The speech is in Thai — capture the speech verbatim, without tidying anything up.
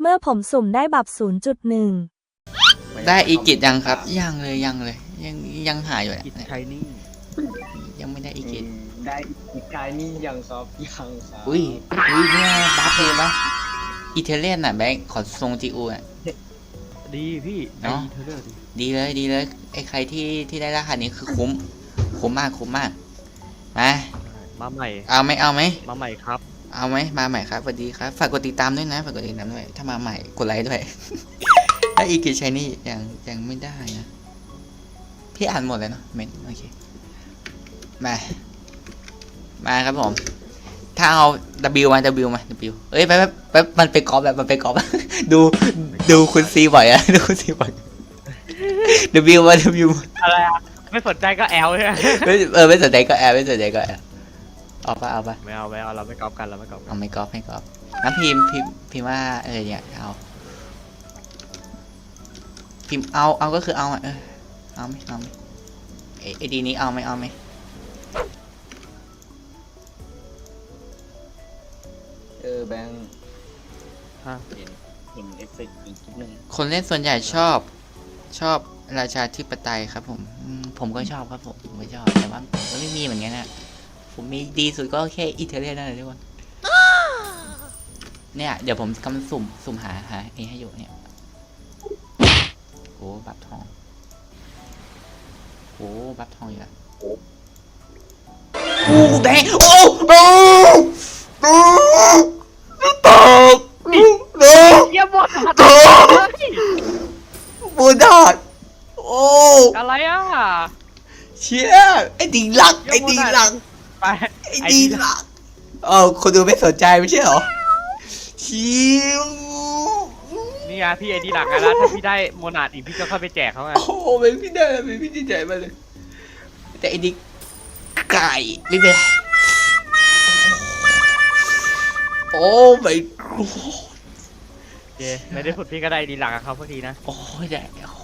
เมื่อผมสุ่มได้บับ ศูนย์จุดหนึ่งได้อีกิจยังครับยังเลยยังเลยยังยังหายอยู่กิจเนี่ยชัยนี่ยังไม่ได้อีกิจได้อีกกายนี่ยังครับยังครับอุ้ยอุ้ยเนี่ยบัฟเลยปะอิตาเลียนน่ะแบงค์ขอทรงจีอูอ่ะดีพี่เนาะเธอเลือกดิดีเลยดีเลยไอ้ใครที่ที่ได้รหัสนี้คือคุ้มคุ้มมากคุ้มมากมามาใหม่เอาไหมเอาไหมมาใหม่ครับเอาไหมมาใหม่ครับสวัสดีครับฝากกดติดตามด้วยนะฝากกดติดตามด้วยถ้ามาใหม่กดไลค์ด้วย ถ้าอีกิจชัยนี่ยังยังไม่ได้นะพี่อ่านหมดเลยเนาะเมนโอเคมามาครับผมถ้าเอา W มา W มา W เอ้ยไปไปไปมันไปกอล์ฟแบบมันไปกอล์ฟ ดูดูคุณซีบ่อยอะ ดูคุณซีบ่อย W มา W อะไรอ่ะไม่สนใจก็แอลใช่ไหมไม่เออไม่สนใจก็แอร์ไม่สนใจก็แอร์เอาปะเอาปะไม่เอาไม่เอาเราไม่กอล์ฟกันเราไม่กอล์ฟกัเอานไม่กอล์ฟไม่กอล์ฟน้ำพิมพ์พิมพ์พิมพ์ว่าเออเนี่ยเอาพิมพ์เอาเอาก็คือเอาอะเออเอาไหมเอาไหมเอไอดีนี้เอาไหมเอาไหมเออแบงค์ฮะเห็นเห็นเอฟเฟกต์อีกนิดนึงคนเล่นส่วนใหญ่ชอบชอบราชาธิปไตยครับผมอืมผมก็ชอบครับผมผมก็ชอบแต่ว่าผมก็ไม่มีเหมือนกันนะผมมีดีสุดก็แค่อิตาเลียนนั่นแหละทุกคนเนี่ยเดี๋ยวผมกำลังสุ่มสุ่มหาหาเอให้อยู่เนี่ยโอ้บัตรทองโอ้บัตรทองอยู่ละโอ้แดงโอ้โอ้โอ้ตกโอ้เยี่ยมหมดตกบูดอดโอ้อะไรอ่ะเชี่ยไอ้ดีหลักไอ้ดีหลักไปไอ้ดีหลักเออคนดูไม่สนใจไม่ใช่เหรอชิวนี่ไงพี่ไอดีหลักไงแล้วถ้าพี่ได้โมนาดอีกพี่ก็ค่อยไปแจกเขาไงโอ้เป็นพี่ได้เป็นพี่ดีใจมากเลยแต่ไอ้ดิไก่ไม่เป็นไรโอ้ไม่โอเคไม่ได้ผุดพี่ก็ได้ดีหลักกับเขาพอดีนะโอ้ยได้โอ้